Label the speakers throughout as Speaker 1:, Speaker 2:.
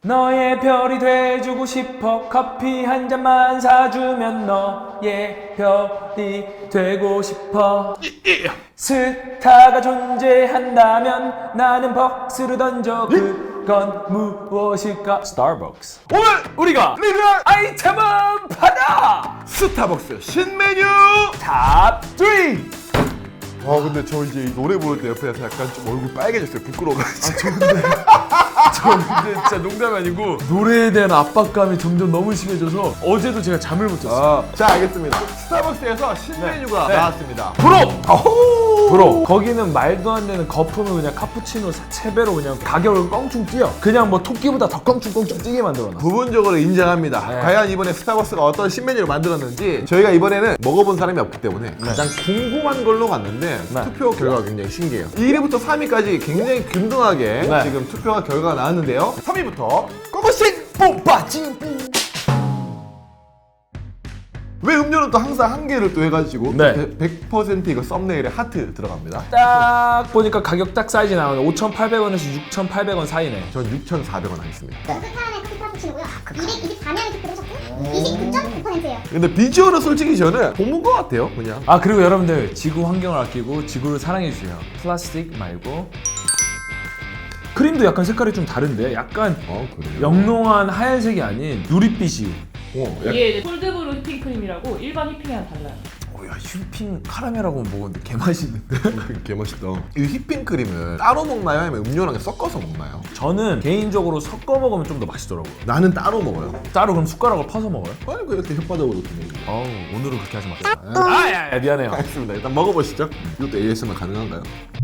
Speaker 1: 너의 별이 돼주고 싶어. 커피 한 잔만 사주면 너의 별이 되고 싶어. 스타가 존재한다면 나는 벅스를 던져. 그건 무엇일까? 스타벅스.
Speaker 2: 오늘
Speaker 1: 우리가
Speaker 2: 리뷰할
Speaker 1: 아이템은 바다
Speaker 2: 스타벅스 신메뉴.
Speaker 1: 탑 3.
Speaker 2: 아 근데 저 이제 이 노래 부를 때 옆에서 약간 좀 얼굴 빨개졌어요. 부끄러워가지고.
Speaker 1: 저 근데 진짜 농담이 아니고 노래에 대한 압박감이 점점 너무 심해져서 어제도 제가 잠을 못 잤어요.
Speaker 2: 자 알겠습니다. 스타벅스에서 신메뉴가
Speaker 1: 네.
Speaker 2: 나왔습니다.
Speaker 1: 브로 거기는 말도 안 되는 거품을 그냥 카푸치노 3배로 그냥 가격을 껑충 뛰어. 그냥 뭐 토끼보다 더 껑충 뛰게 만들어놨어.
Speaker 2: 부분적으로 인정합니다.
Speaker 1: 네.
Speaker 2: 과연 이번에 스타벅스가 어떤 신메뉴를 만들었는지 저희가 이번에는 먹어본 사람이 없기 때문에 가장 궁금한 걸로 갔는데
Speaker 1: 네.
Speaker 2: 투표 결과가 굉장히 신기해요. 1위부터 3위까지 굉장히 균등하게
Speaker 1: 네.
Speaker 2: 지금 투표가 결과가 나왔는데요. 3위부터 고고싱 뿜빠찡. 왜 음료는 또 항상 한 개를 또 해가지고
Speaker 1: 네.
Speaker 2: 100% 이거 썸네일에 하트 들어갑니다.
Speaker 1: 딱 보니까 가격 딱 사이즈 나오네. 5,800원에서 6,800원 사이네.
Speaker 2: 전 6,400원 하겠습니다.
Speaker 3: 스타안의 커피 카푸치노고요. 224명이 투표를 하셨고 29.9%예요.
Speaker 2: 근데 비주얼은 솔직히 저는 본문 것 같아요. 그냥
Speaker 1: 아 그리고 여러분들 지구 환경을 아끼고 지구를 사랑해주세요. 플라스틱 말고. 크림도 약간 색깔이 좀 다른데 약간
Speaker 2: 그래요?
Speaker 1: 영롱한 하얀색이 아닌 누릿빛이.
Speaker 4: 이게 이제 콜드브루 휘핑크림이라고 일반 휘핑이랑 달라요.
Speaker 1: 야 휘핑 카라멜하고 먹었는데 개맛있는데?
Speaker 2: 개맛있다. 이 휘핑크림을 따로 먹나요? 아니면 음료랑 섞어서 먹나요?
Speaker 1: 저는 개인적으로 섞어 먹으면 좀 더 맛있더라고요.
Speaker 2: 나는 따로 먹어요.
Speaker 1: 따로 그럼 숟가락을 퍼서 먹어요?
Speaker 2: 아니 그 이렇게 혓바닥으로 이렇게 먹는 거.
Speaker 1: 어우 오늘은 그렇게 하지 마세요. 아야 미안해요.
Speaker 2: 알겠습니다. 일단 먹어보시죠. 이것도 ASMR 가능한가요?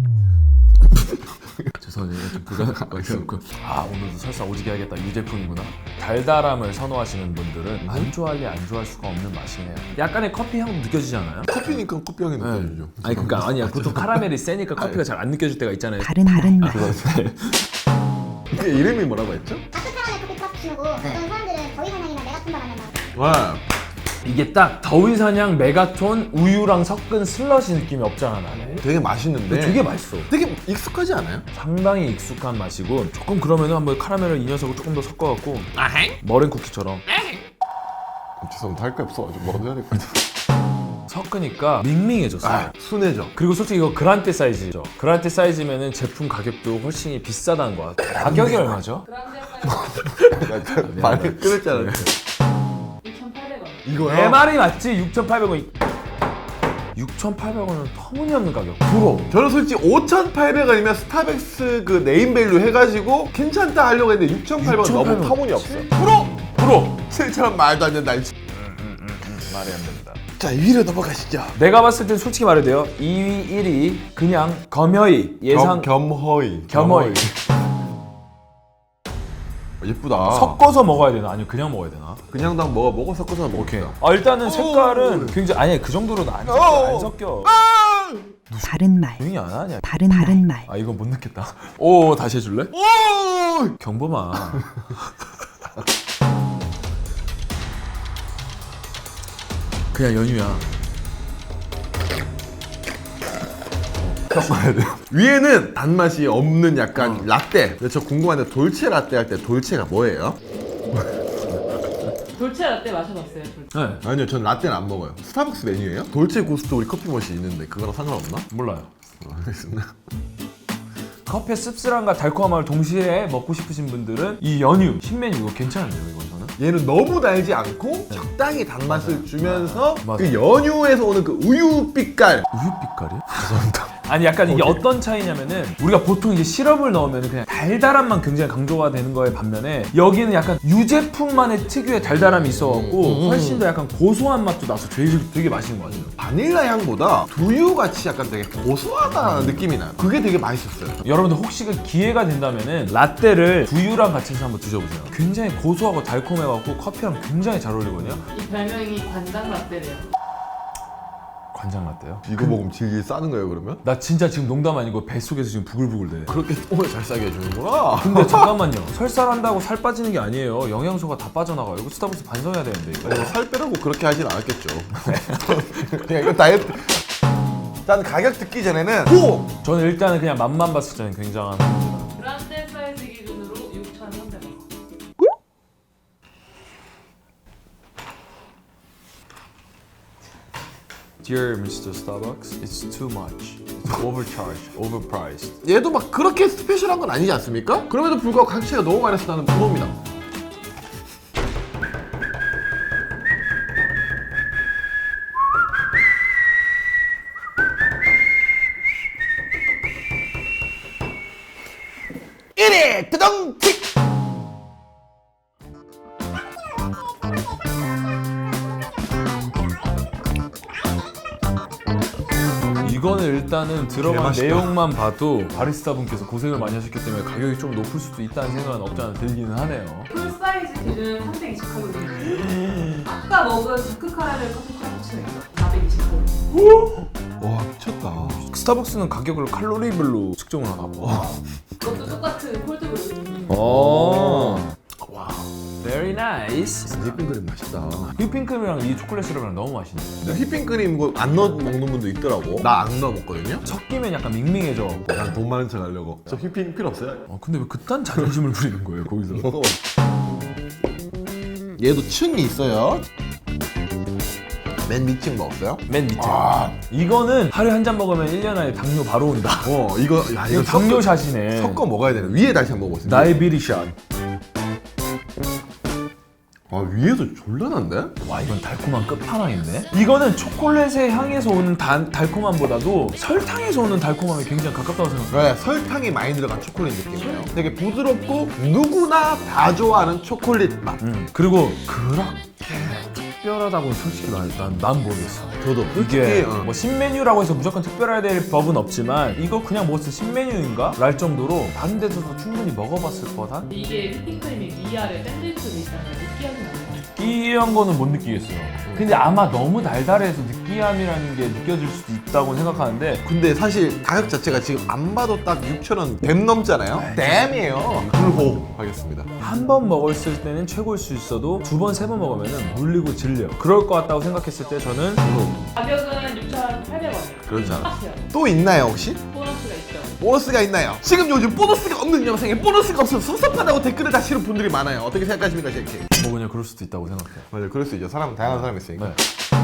Speaker 1: 죄송해요. 좀 불가능한 거 있었고. 아 오늘도 설사 오지게 하겠다. 유제품이구나. 달달함을 선호하시는 분들은 안 좋아할래 안 좋아할 수가 없는 맛이네요. 약간의 커피 향도 느껴지잖아요.
Speaker 2: 커피니까 커피향이 느껴지죠.
Speaker 1: 아니 그러니까 아니야. 보통 카라멜이 세니까 커피가 잘 안 느껴질 때가 있잖아요.
Speaker 5: 다른 말.
Speaker 2: 이게 이름이 뭐라고 했죠?
Speaker 3: 다크카라멜 커피 카푸치노고 어떤 사람들은 더위 사냥이나 메가톤 바라면
Speaker 2: 와.
Speaker 1: 이게 딱 더위사냥 메가톤 우유랑 섞은 슬러시 느낌이 없잖아 나는.
Speaker 2: 되게 맛있는데
Speaker 1: 되게 맛있어.
Speaker 2: 되게 익숙하지 않아요?
Speaker 1: 상당히 익숙한 맛이고 조금 그러면은 한번 카라멜을 이 녀석을 조금 더 섞어갖고 머랭 쿠키처럼
Speaker 2: 죄송합니다. 할 게 없어가지고 먹어야 될 것 같아요.
Speaker 1: 섞으니까 밍밍해졌어요.
Speaker 2: 순해져.
Speaker 1: 그리고 솔직히 이거 그란테 사이즈죠. 그란테 사이즈면은 제품 가격도 훨씬 비싸다는 거야. 가격이 얼마죠?
Speaker 4: 그란데 사이즈
Speaker 2: 말을 끊을 줄 알았네.
Speaker 4: 6,800원.
Speaker 2: 이거요?
Speaker 1: 내 말이 맞지? 6,800원. 6,800원은 터무니없는 가격. 프로.
Speaker 2: 저는 솔직히 5,800원이면 스타벅스 그 네임밸류 해가지고 괜찮다 하려고 했는데 6,800원 너무
Speaker 1: 6,800원.
Speaker 2: 터무니없어.
Speaker 1: 프로.
Speaker 2: 7,000원 말도 안 된다.
Speaker 1: 말이 안 됩니다.
Speaker 2: 자 2위로 넘어가시죠.
Speaker 1: 내가 봤을 땐 솔직히 말해도 돼요. 2위, 1위 그냥 겸허히 예상
Speaker 2: 겸허히.
Speaker 1: 겸허히.
Speaker 2: 예쁘다.
Speaker 1: 섞어서 먹어야 되나? 아니면 그냥 먹어야 되나?
Speaker 2: 그냥 당 먹어 섞어서
Speaker 1: 오케이.
Speaker 2: 먹을게요.
Speaker 1: 아 일단은 색깔은 굉장히 아니 그 정도로는 안 섞여. 안 섞여.
Speaker 5: 다른 말.
Speaker 1: 조용히 안 하냐?
Speaker 5: 다른 말.
Speaker 1: 아 이건 못 넣겠다. 오 다시 해줄래?
Speaker 2: 오!
Speaker 1: 경범아. 그냥 연유야.
Speaker 2: 섞어야 돼요. 위에는 단맛이 없는 약간 라떼. 근데 저 궁금한데 돌체 라떼 할 때 돌체가 뭐예요?
Speaker 4: 돌체 라떼 마셔봤어요. 돌체.
Speaker 1: 네.
Speaker 2: 아니요, 전 라떼는 안 먹어요. 스타벅스 메뉴예요? 돌체 고스트 우리 커피 머신 있는데 그거랑 상관없나?
Speaker 1: 몰라요.
Speaker 2: 알겠습니다.
Speaker 1: 커피의 씁쓸함과 달콤함을 동시에 먹고 싶으신 분들은 이 연유 신메뉴 이거 괜찮은데요 이거 저는?
Speaker 2: 얘는 너무 달지 않고 적당히 단맛을 주면서
Speaker 1: 맞아요.
Speaker 2: 그 연유에서 오는 그 우유 빛깔.
Speaker 1: 우유 빛깔이요? 죄송합니다. 아니 약간 이게 어떤 차이냐면은 우리가 보통 이제 시럽을 넣으면 그냥 달달함만 굉장히 강조가 되는 거에 반면에 여기는 약간 유제품만의 특유의 달달함이 있어갖고 훨씬 더 약간 고소한 맛도 나서 되게 맛있는 것 같아요.
Speaker 2: 바닐라 향보다 두유 같이 약간 되게 고소하다는 느낌이 나요. 그게 되게 맛있었어요.
Speaker 1: 여러분들 혹시 그 기회가 된다면은 라떼를 두유랑 같이 해서 한번 드셔보세요. 굉장히 고소하고 달콤해갖고 커피랑 굉장히 잘 어울리거든요.
Speaker 4: 이 별명이 관장 라떼래요.
Speaker 1: 관장 라떼요?
Speaker 2: 이거 먹으면 질질 싸는 거예요, 그러면?
Speaker 1: 나 진짜 지금 농담 아니고 뱃속에서 지금 부글부글 돼.
Speaker 2: 그렇게 똥을 잘 싸게 해주는구나.
Speaker 1: 근데 잠깐만요. 설사한다고 살 빠지는 게 아니에요. 영양소가 다 빠져나가요. 이거 스타벅스 반성해야 되는데 이거.
Speaker 2: 아니, 살 빼라고 그렇게 하진 않았겠죠. 그냥 이거 다이어트. 일단 가격 듣기 전에는 오!
Speaker 1: 저는 일단은 그냥 맛만 봤을 때는 굉장한
Speaker 4: 그란데 사이즈 기준으로 6,300원.
Speaker 1: Dear Mr. Starbucks, it's too much. It's overcharged, overpriced.
Speaker 2: 얘도 막 그렇게 스페셜한 건 아니지 않습니까? 그럼에도 불구하고 가격차가 너무 많이 나서 나는 불호입니다. 뜨덩틱!
Speaker 1: 이거는 일단은 들어간
Speaker 2: 개맛있다.
Speaker 1: 내용만 봐도 바리스타 분께서 고생을 많이 하셨기 때문에 가격이 좀 높을 수도 있다는 생각은 없지 않아 들기는 하네요.
Speaker 4: 풀 사이즈 기준 320칼로리. 아까 먹은 다크 카라멜 커피 카푸치노 있어. 420칼로리.
Speaker 2: 와 미쳤다.
Speaker 1: 스타벅스는 가격을 칼로리별로 측정을 하나 봐.
Speaker 4: 그것도 똑같은 콜드브루.
Speaker 1: 와, very nice.
Speaker 2: 휘핑크림 맛있다.
Speaker 1: 휘핑크림이랑 이 초콜릿 시럽이랑 너무 맛있네.
Speaker 2: 근데 휘핑크림 뭐 안 넣어 먹는 분도 있더라고. 나 안 넣어 먹거든요.
Speaker 1: 섞이면 약간 밍밍해져.
Speaker 2: 난 돈 많은 척 하려고. 저 휘핑 필요 없어요?
Speaker 1: 근데 왜 그딴 자존심을 부리는 거예요 거기서?
Speaker 2: 먹어봐. 얘도 층이 있어요. 맨 밑층 먹었어요?
Speaker 1: 맨 밑에. 이거는 하루에 한 잔 먹으면 1년 안에 당뇨 바로 온다.
Speaker 2: 이거 야
Speaker 1: 이거 당뇨샷이네.
Speaker 2: 섞어 먹어야 되네. 위에 다시 한번 먹어보세요.
Speaker 1: 다이비리샷.
Speaker 2: 위에도 졸라난데?
Speaker 1: 와, 이건 달콤한 끝판왕인데? 이거는 초콜릿의 향에서 오는 달콤함보다도 설탕에서 오는 달콤함이 굉장히 가깝다고 생각해요.
Speaker 2: 그래, 설탕이 많이 들어간 초콜릿 느낌이에요. 되게 부드럽고 누구나 다 좋아하는 초콜릿 맛.
Speaker 1: 그리고 그렇게 특별하다고 솔직히 난 모르겠어.
Speaker 2: 저도
Speaker 1: 이게
Speaker 2: 솔직히
Speaker 1: 뭐 신메뉴라고 해서 무조건 특별해야 될 법은 없지만 이거 그냥 먹었을 때 신메뉴인가? 랄 정도로 다른 데서도 충분히 먹어봤을 뻔한?
Speaker 4: 이게 휘핑크림이 위아래 샌드위치로 있잖아요. 느끼하진 않아요.
Speaker 1: 느끼한 거는 못 느끼겠어요. 근데 아마 너무 달달해서 느끼함이라는 게 느껴질 수도 있다고 생각하는데
Speaker 2: 근데 사실 가격 자체가 지금 안 봐도 딱 6,000원 댐 넘잖아요? 댐이에요. 불호 하겠습니다.
Speaker 1: 한 번 먹었을 때는 최고일 수 있어도 두 번, 세 번 먹으면 물리고 질려. 그럴 것 같다고 생각했을 때 저는
Speaker 4: 가격은 6,800원이에요.
Speaker 2: 그렇지 않아?
Speaker 4: 똑같아요.
Speaker 2: 또 있나요 혹시?
Speaker 4: 보너스가 있죠.
Speaker 2: 보너스가 있나요? 지금 요즘 보너스가 없는 영상에 보너스가 없어서 섭섭하다고 댓글을 다시는 분들이 많아요. 어떻게 생각하십니까, 제키?
Speaker 1: 뭐 그냥 그럴 수도 있다고 생각해요.
Speaker 2: 맞아요, 그럴 수 있죠. 사람은 다양한 사람이 있으니까.
Speaker 1: 네.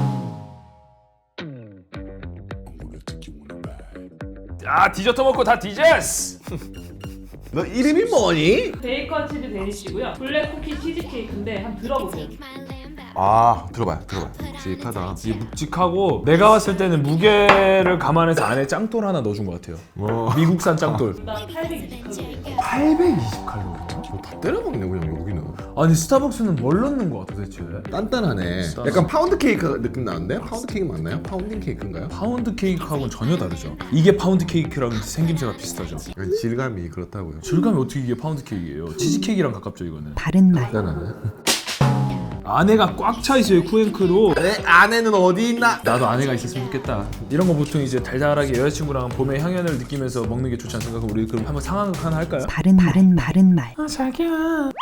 Speaker 1: 디저트 먹고 다 디저스!
Speaker 2: 너 이름이 뭐니?
Speaker 4: 베이컨 치즈 데니시고요. 블랙 쿠키 치즈 케이크인데 한번 들어보세요.
Speaker 2: 들어봐요. 묵직하다.
Speaker 1: 이게 묵직하고 내가 봤을 때는 무게를 감안해서 안에 짱돌 하나 넣어준 것 같아요. 미국산 짱돌.
Speaker 4: 일단 820칼로리.
Speaker 1: 820칼로리?
Speaker 2: 다 때려먹네 그냥 여기는.
Speaker 1: 아니 스타벅스는 뭘 넣는 것 같아 대체?
Speaker 2: 단단하네. 약간 파운드 케이크 느낌 나는데? 파운드 케이크 맞나요? 파운딩 케이크인가요?
Speaker 1: 파운드 케이크하고는 전혀 다르죠. 이게 파운드 케이크랑 생김새가 비슷하죠.
Speaker 2: 질감이 그렇다고요.
Speaker 1: 질감이 어떻게 이게 파운드 케이크예요? 치즈 케이크랑 가깝죠 이거는.
Speaker 5: 바른 말.
Speaker 2: 단단하네.
Speaker 1: 안에가 꽉 차 있어요 쿠앤크로.
Speaker 2: 내 안에는 어디 있나?
Speaker 1: 나도 아내가 있었으면 좋겠다. 이런 거 보통 이제 달달하게 여자친구랑 봄의 향연을 느끼면서 먹는 게 좋지 않습니까? 그럼 우리 그럼 한번 상황극 하나 할까요?
Speaker 5: 바른 말.
Speaker 1: 아 자기야.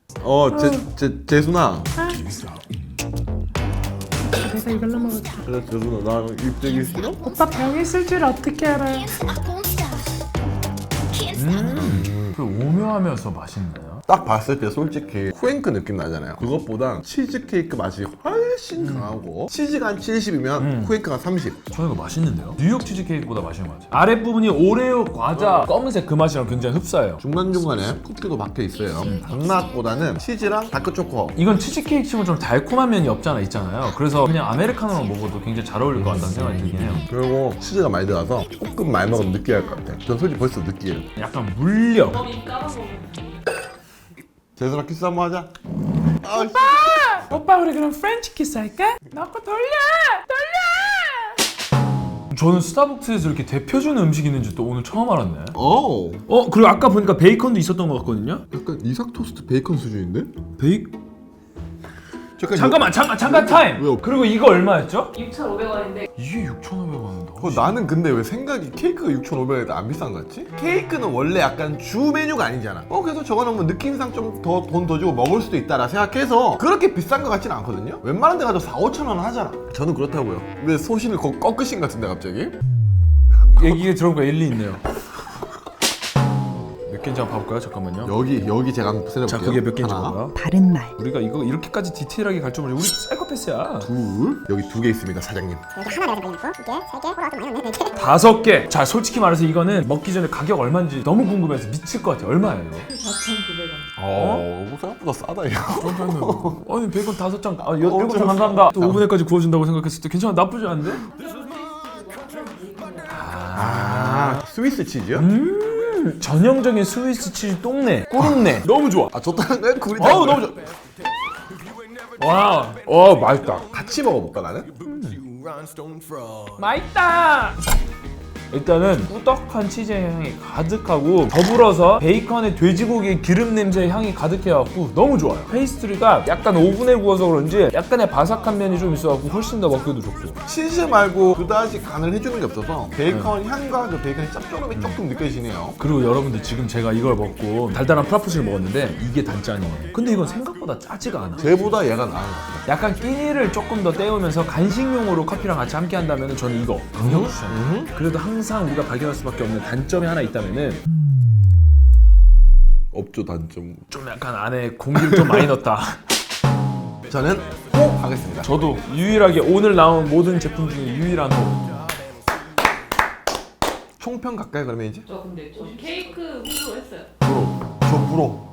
Speaker 2: 재순아.
Speaker 6: 그래서 이걸로 먹을게.
Speaker 2: 그래 재순아 나 입대기 싫어?
Speaker 6: 오빠 병 있을 줄 어떻게 알아요?
Speaker 1: 그 오묘하면서 맛있나요?
Speaker 2: 딱 봤을 때 솔직히 쿠앤크 느낌 나잖아요. 그것보다 치즈케이크 맛이 훨씬 강하고 치즈가 한 70이면 쿠앤크가 30.
Speaker 1: 저는 이거 맛있는데요? 뉴욕 치즈케이크보다 맛있는 것 같아요. 아랫부분이 오레오 과자 검은색 그 맛이랑 굉장히 흡사해요.
Speaker 2: 중간중간에 쿠키도 박혀 있어요. 단맛보다는 치즈랑 다크초코.
Speaker 1: 이건 치즈케이크 치고 좀 달콤한 면이 없지 않아 있잖아요. 그래서 그냥 아메리카노랑 먹어도 굉장히 잘 어울릴 것 같다는 생각이 들긴 해요.
Speaker 2: 그리고 치즈가 많이 들어가서 조금 많이 먹으면 느끼할 것 같아. 전 솔직히 벌써 느끼해요.
Speaker 1: 약간 물려.
Speaker 4: 범이 까먹으면
Speaker 2: 재순아 키스 한번 하자.
Speaker 6: 오빠 우리 그럼 프렌치 키스 할까? 나거 돌려.
Speaker 1: 저는 스타벅스에서 이렇게 대표주는 음식이 있는지 또 오늘 처음 알았네.
Speaker 2: 오.
Speaker 1: 그리고 아까 보니까 베이컨도 있었던 것 같거든요.
Speaker 2: 약간 이삭 토스트 베이컨 수준인데?
Speaker 1: 잠깐 타임.
Speaker 2: 왜요?
Speaker 1: 그리고 이거 얼마였죠?
Speaker 4: 6,500원인데
Speaker 1: 이게 6,500원.
Speaker 2: 나는 근데 왜 생각이 케이크가 6,500원에 안 비싼 것 같지? 케이크는 원래 약간 주 메뉴가 아니잖아. 그래서 저거 넣으면 느낌상 좀 더 돈 더 주고 먹을 수도 있다라 생각해서 그렇게 비싼 것 같지는 않거든요? 웬만한 데 가도 4,000~5,000원 하잖아. 저는 그렇다고요. 왜 소신을 꺾으신 것 같은데 갑자기?
Speaker 1: 얘기 들어보니까 일리 있네요. 개인지 한번 봐볼까요? 잠깐만요.
Speaker 2: 여기 제가 한번 세려볼게요.
Speaker 1: 자, 그게 몇 개인지
Speaker 2: 하나,
Speaker 1: 봐봐요.
Speaker 5: 바른 말,
Speaker 1: 우리가 이거 이렇게까지 디테일하게 갈 줄 모르지. 우리 사이코패스야.
Speaker 2: 둘, 여기 2개 있습니다, 사장님.
Speaker 3: 여기 하나 내가 발견했고 2개, 3개, 좀 많이 넣네 4개
Speaker 1: 5개. 자, 솔직히 말해서 이거는 먹기 전에 가격 얼마인지 너무 궁금해서 미칠 것 같아요. 얼마예요 이거?
Speaker 4: 4,900원.
Speaker 2: 생각보다 싸다 이거.
Speaker 1: 아니 베이컨 5장. 아, 7장 감사합니다. 또 오븐에까지 구워준다고 생각했을 때 괜찮아. 나쁘지 않은데?
Speaker 2: 스위스 치즈요?
Speaker 1: 전형적인 스위스 치즈 똥내, 꼬름내. 너무 좋아.
Speaker 2: 아 좋다는 거야? 굴이
Speaker 1: 어우 너무 좋아. 와, 맛있다.
Speaker 2: 같이 먹어볼까 나는?
Speaker 1: 맛있다. 일단은 꾸덕한 치즈의 향이 가득하고 더불어서 베이컨의 돼지고기의 기름 냄새의 향이 가득해갖고 너무 좋아요. 페이스트리가 약간 오븐에 구워서 그런지 약간의 바삭한 면이 좀 있어갖고 훨씬 더 먹기도 좋고.
Speaker 2: 치즈 말고 그다지 간을 해주는 게 없어서 베이컨 향과 그 베이컨의 짭조름이 조금 느껴지네요.
Speaker 1: 그리고 여러분들 지금 제가 이걸 먹고 달달한 프라푸치를 먹었는데 이게 단짠이네. 근데 이건 생각보다 짜지가 않아.
Speaker 2: 쟤보다 얘가 나은 것 같아요.
Speaker 1: 약간 끼니를 조금 더 때우면서 간식용으로 커피랑 같이 함께 한다면 저는 이거 강력 추천해요. 그래도 항상 우리가 발견할 수밖에 없는 단점이 하나 있다면은
Speaker 2: 없죠 단점.
Speaker 1: 좀 약간 안에 공기를 좀 많이 넣었다.
Speaker 2: 저는 호 하겠습니다.
Speaker 1: 저도 유일하게 오늘 나온 모든 제품 중에 유일한 호.
Speaker 2: 총평 가까이 그러면 이제?
Speaker 4: 저 근데 저 케이크 홍보했어요.
Speaker 2: 저 불어.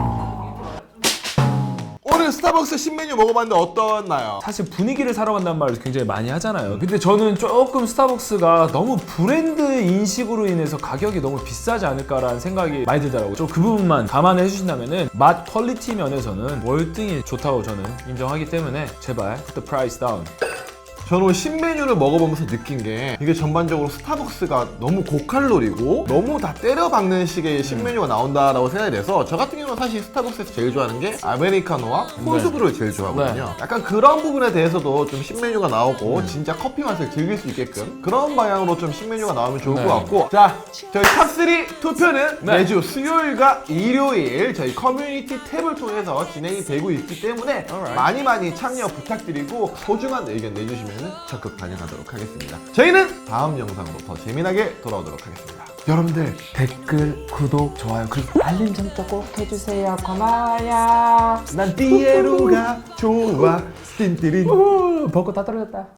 Speaker 2: 오늘 스타벅스 신메뉴 먹어봤는데 어떠나요?
Speaker 1: 사실 분위기를 사러 간다는 말을 굉장히 많이 하잖아요. 근데 저는 조금 스타벅스가 너무 브랜드 인식으로 인해서 가격이 너무 비싸지 않을까라는 생각이 많이 들더라고요. 좀 그 부분만 감안해 주신다면은 맛 퀄리티 면에서는 월등히 좋다고 저는 인정하기 때문에 제발 put the price down.
Speaker 2: 저는 오늘 신메뉴를 먹어보면서 느낀 게 이게 전반적으로 스타벅스가 너무 고칼로리고 너무 다 때려박는 식의 신메뉴가 나온다라고 생각이 돼서 저 같은 경우는 사실 스타벅스에서 제일 좋아하는 게 아메리카노와 콜드브루를 제일 좋아하거든요. 약간 그런 부분에 대해서도 좀 신메뉴가 나오고 진짜 커피 맛을 즐길 수 있게끔 그런 방향으로 좀 신메뉴가 나오면 좋을 것 같고 자, 저희 탑3 투표는 매주 수요일과 일요일 저희 커뮤니티 탭을 통해서 진행이 되고 있기 때문에 많이 참여 부탁드리고 소중한 의견 내주시면 적극 반영하도록 하겠습니다. 저희는 다음 영상으로 더 재미나게 돌아오도록 하겠습니다. 여러분들
Speaker 1: 댓글, 구독, 좋아요 그리고 알림 설정 꼭 해주세요. 고마워요.
Speaker 2: 난 띠에로가 좋아 띵띠린
Speaker 1: 벚꽃 다 떨어졌다.